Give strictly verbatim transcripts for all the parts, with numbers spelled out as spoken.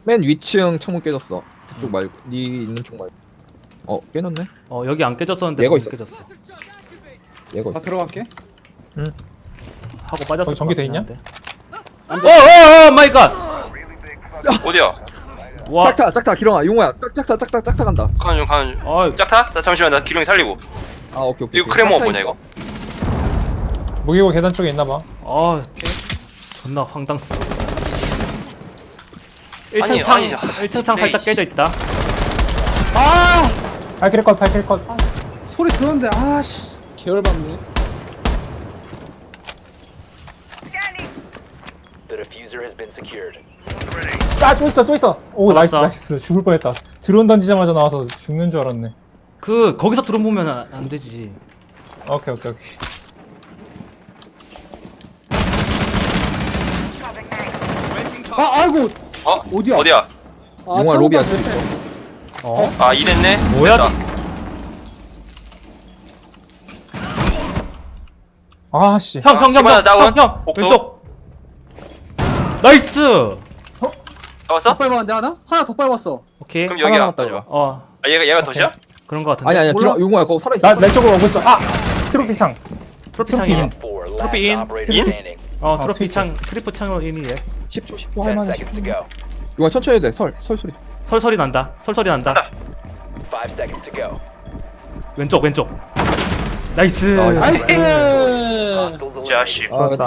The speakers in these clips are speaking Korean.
맨 위층 창문 깨졌어. 그쪽 말고 네 있는 쪽 말고. 어 깨졌네. 어 여기 안 깨졌었는데 얘가 거기 있어. 깨졌어. 얘가 나 있어. 들어갈게. 하고 빠졌을 거기 전기 것 돼 같긴 있냐? 한데. 어어어 마이 갓. 어디야? 와. 짝타 짝타 기령아 용호야 짝- 짝타 짝타 짝타 간다. 가는 중 가는 중. 어 짝타? 자 잠시만 나 기룡이 살리고. 아 오케이 오케이. 이거 오케이. 크레모 짝타 뭐냐 있어. 이거? 무기고 계단 쪽에 있나봐. 어. 존나 황당스. 일 층 아니, 창 아니, 일 층 창 네, 살짝 이- 깨져 있다. 아 발키리 컷, 발키리 컷. 소리 들었는데 아씨 계열받네. The diffuser has been secured. 아, 또 있어, 또 있어. 오, 나이스, 잡았어. 나이스. 죽을 뻔했다. 드론 던지자마자 나와서 죽는 줄 알았네. 그 거기서 드론 보면 안, 안 되지. 오케이, 오케이, 오케이. 아 아이고. 어? 어디야? 어디야? 아, 용화 창문 로비야. 닫혔네. 어? 아 이랬네? 뭐야? 됐다. 아, 씨. 형, 형, 형, 이번에 형, 다운. 형, 형, 복도. 왼쪽. 나이스. 잡았어? 더 밟았는데 하나? 하나 더 밟았어. 오케이. 그럼 하나 여기야. 남았다, 가져와. 어, 아 얘가 얘가 덫이야? 그런 거 같은데. 아니 아니야 몰라? 기령 용호야 그거 살아 있어. 나, 내 쪽으로 오고 있어. 아! 트로피 창. 트로피 창이네. 인. Four last Trophy in. operator In? standing. 어, 아, 트로피 트위터. 창, 트리프 창으로 인이래. 십 초 십 초 Ten 할만해. seconds to go. 용호 천천히 해도 돼. 설 설 소리. 설설이 난다. 설설이 난다. Five seconds to go. 왼쪽, 왼쪽. 나이스. 나이스. 나이스. Hostiles 자식. 아 좋았다.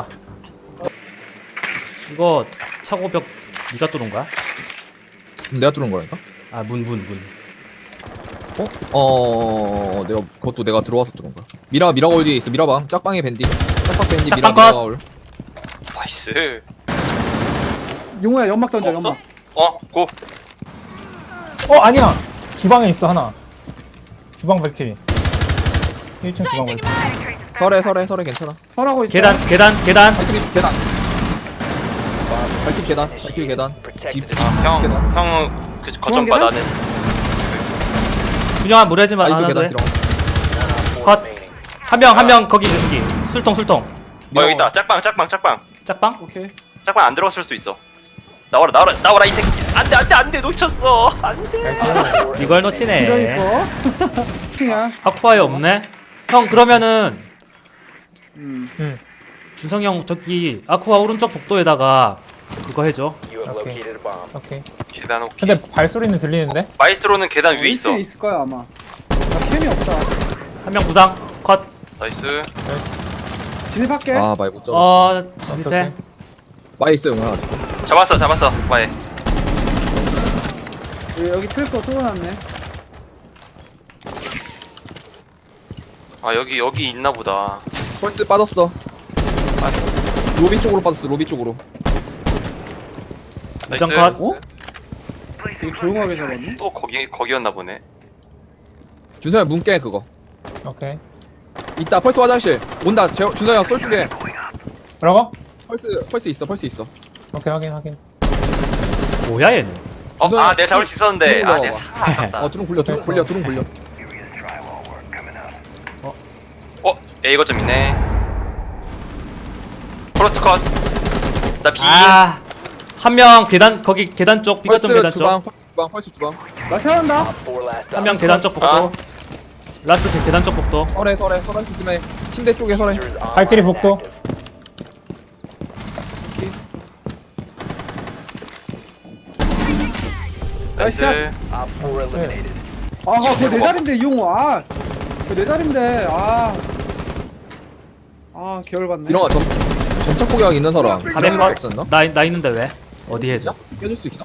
이거 차고벽 네가 뚫은 거야? 내가 뚫은 거라니까? 아, 문, 문, 문. 어? 어 내가 그것도 내가 들어와서 뚫은 거야. 미라 미라 거울 뒤에 있어. 미라방 짝방에 밴디. 짝방 밴디 미라 짝방 미라 컷. 거울. 나이스. 용호야 연막 던져 없어? 연막. 어? 고. 어, 아니야. 주방에 있어, 하나. 주방 발키리. 일 층 주방 발키리. 설에 설에 설에 괜찮아. 설하고 있어. 계단, 계단, 계단. 발키리 계단. 발키리 계단. 발키리 계단. protected. 집. 아, 형, 계단. 형은 그 거점 봐 계단? 나는. 준영아, 무리하지 마. 아직도 안 해도 계단 돼. 들어. 컷. remaining. 한 명, 한 명, 거기, 저기. 술통, 술통. 어 여기 있다. 짝방, 짝방, 짝방. 짝방? 오케이. 짝방 안 들어갔을 수도 있어. 나와라, 나와라, 나와라 이 새끼. 안돼, 안돼, 안돼, 놓쳤어. 안돼. 나이스. 이걸 이런 놓치네. 거. 층이야. 아쿠아에 없네? 형, 그러면은, 음. 응. 준성이 형, 저기, 아쿠아 오른쪽 복도에다가, 그거 해줘. You have Okay. located a bomb. 오케이. 계단 오케이. 근데 발소리는 들리는데? 마이스로는 계단 위에 있어. 층에 있을 거야 아마. 나 캠이 없다. 한 명 부상, 컷. 나이스. 나이스. 진입할게. 아 많이 못 잡아. 어, 오케이, 주세. 오케이. 많이 있어 용호야. 잡았어, 잡았어. 마이. 여기, 여기 트랩도 뚫어놨네. 아 여기 여기 있나 보다. 펄스 빠졌어. 로비 쪽으로 빠졌어. 로비 쪽으로. 나이스. 부상 컷. 어? 되게 조용하게 잡았네. 또 거기 거기였나 보네. 준서야 문 깨 그거. 오케이. 이따 펄스 화장실 온다. 제, 준서야 쏠 쪽에 뭐라고? 펄스 펄스 있어. 펄스 있어. 오케이, 확인, 확인. 뭐야, 얘는? 어, 준서야, 아 내가 잡을 수 있었는데. 뚫어 아 내가 봐봐. 차 아깝다. 어 두릉 굴려 두릉 굴려 두릉 굴려. 어, 야 이거 좀 있네. 프로트 컷. 나 B. 아, 한 명 계단, 거기 계단 쪽, 펄스 삐거점 계단 주방 쪽. 펄스 주방 펄스 주방. 나 세운다. Op four last 한 명 op. 계단 쪽 복도. 아. 라스트 계- 계단 쪽 복도. 설에 설에 설에 조심해. 침대 쪽에 설에. Diffuser is online 발키리 and 복도. active. 나이스. Op four eliminated. 아, 그거 내 자리인데 이 용호. 아, 그거 내 자리인데. 아, 아 계열받네. 이런 거 점, 점착 포격 있는 사람. 가백 이런 거 없었나? 컷. 나, 나 있는데 왜? 어디 해줘? 깨줄 수 있어?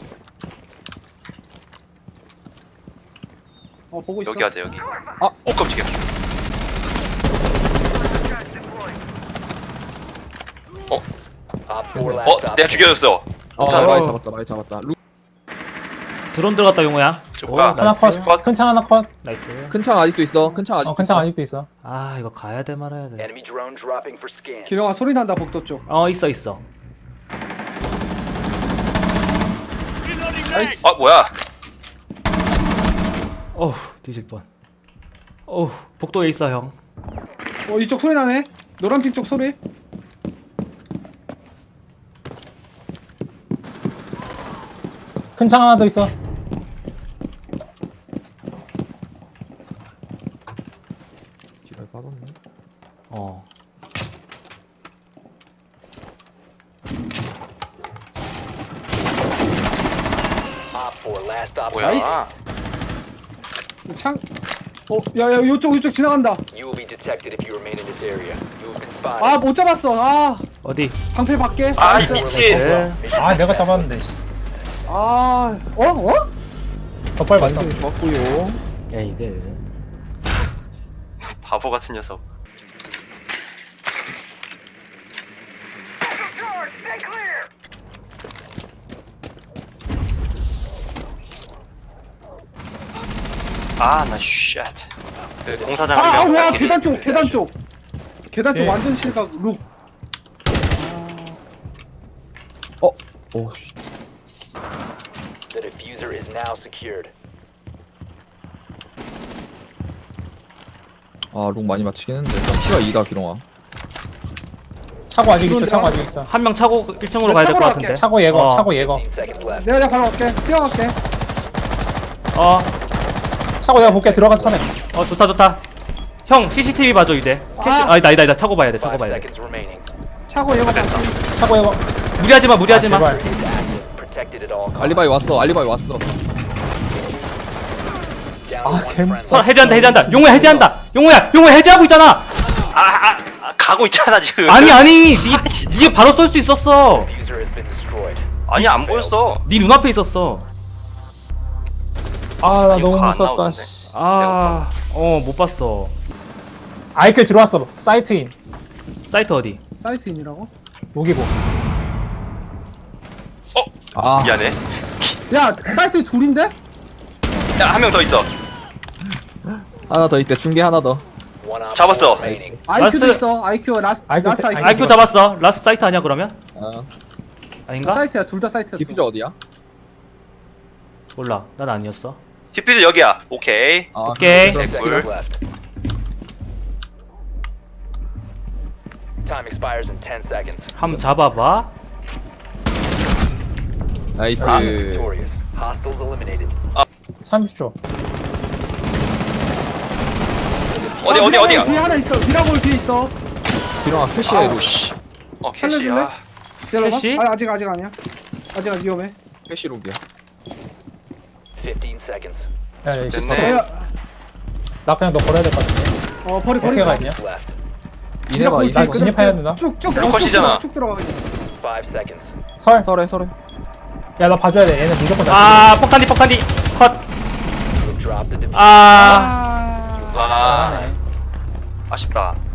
어 보고 있어. 여기 하자 여기. 아. 오 깜짝이야. Op four last 어, op. 내가 죽여줬어. 아 자, 많이 어. 잡았다 많이 잡았다. 루, 드론 들어갔다, 용호야. 오, 아, 하나 나이스. 컷. 큰 창 하나 컷. 나이스. 큰 창 아직도 있어. 큰 창 아직. 어, 큰 창 아직도 있어. 아, 이거 가야 돼, 말아야 돼. Enemy drone dropping for scan. 기령아 소리 난다 복도 쪽. 어, 있어, 있어. 나이스. 아 뭐야? 어우, 뒤질 뻔. 어우, 복도에 있어, 형. 어 이쪽 소리 나네. 노란핑 쪽 소리. 큰 창 하나 더 있어. 길을 빠졌네. 어. Op four, last stop. 뭐야? 나이스. 창. 어, 야, 야, 요쪽, 요쪽 지나간다. You will be detected if you remain in this area. You have been spotted. 아, 못 잡았어. 아, 어디? 방패 밖에. 아, 나이스. 미친. 네. 아 내가 잡았는데. 씨. 아, 어, 어? 더 빨리 맞다. 완전 좋았고요. 야 이게. 바보 같은 녀석. 아, 나 쉣. 그 공사장 아, 아, 한 명. 와, 발키리. 계단 쪽, 계단 쪽. 계단 쪽 예. 완전 실각 룩. 어, 오 씨. The diffuser is now secured. 아, 룩 많이 맞히긴 했는데. 나 피가 이다 기롱아. 차고 아직 있어. 차고 아직 있어. 한 명 차고 일 층으로 가야 될 것 차고로 같은데. 갈게. 차고 예거. 어. 차고 예거. fifteen seconds left. 내가 내가 바로 갈게. 뛰어갈게. 어. 차고 내가 볼게. 들어가서 사네. 어 좋다 좋다. 형 씨씨티비 봐줘 이제. 캐시. 아. 아니다 아니다 아니다. 차고 봐야 돼. 차고 Five 봐야 돼. seconds remaining. 차고 얘가 밖에. 차고 예거. 무리하지 마 무리하지 마. 제발. Protected at all costs. 알리바이 왔어. 알리바이 왔어. Down 아, one 개 friendly. 서 해제한다 해제한다. 용우야 해제한다. 용우야 용우야 해제하고 있잖아. 아, 아, 아, 가고 있잖아 지금. 아니 아니 니 아, 진짜. 니가 바로 쏠 수 있었어. Diffuser has been destroyed. 아니 안 보였어. 니 눈앞에 있었어. 아 나 이거 너무 안 무섭다. 나오던데. 씨. 아, 어 못 봤어. 아이큐 들어왔어. 사이트인. 사이트 어디? 사이트인이라고? 여기고. 아, 미안해. 야, 사이트 둘인데? 야, 한 명 더 있어. 하나 더 있대. 중계 하나 더. One op 잡았어. four remaining. 아이큐도 라스트- 있어. 아이큐 라스트 아이큐 라스트 세- 아이큐. 아이큐 잡았어. 라스트 사이트 아니야 그러면? 아, 아닌가? 사이트야. 둘 다 사이트였어. 디퓨저 어디야? 몰라. 난 아니었어. 디퓨저 여기야. 오케이. 아, 오케이. 그럼 Ten 꿀. seconds left. Time expires in ten seconds. 한번 잡아봐. 나이스. Op victorious. Hostiles eliminated. 삼십 초. 어디 아, 어디 미라볼 어디야? 뒤에 하나 있어. 미라볼 뒤에 있어. 기롱아 캐시해. 아우 룩. 씨. 어 살려줄래? 캐시야. 기다려봐. 캐시? 아, 아직 아직 아니야. 아직 안 위험해. 캐시 룩이야. Fifteen seconds. 야, 야, 씨. 됐네. 야, 나 그냥 너 버려야 될 것 같아. 어, 버리 버리. 어떻게 가냐? Left. 이네봐. 나 진입해야 되나? 쭉쭉 루컷이잖아. 쭉 들어가 그냥. Five seconds. 설. 설해 설해. 야 나 봐줘야 돼. 얘는 무조건 다. 아 폭탄디 폭탄디 컷. You have dropped the diffuser. 아 아. 아. 아쉽다.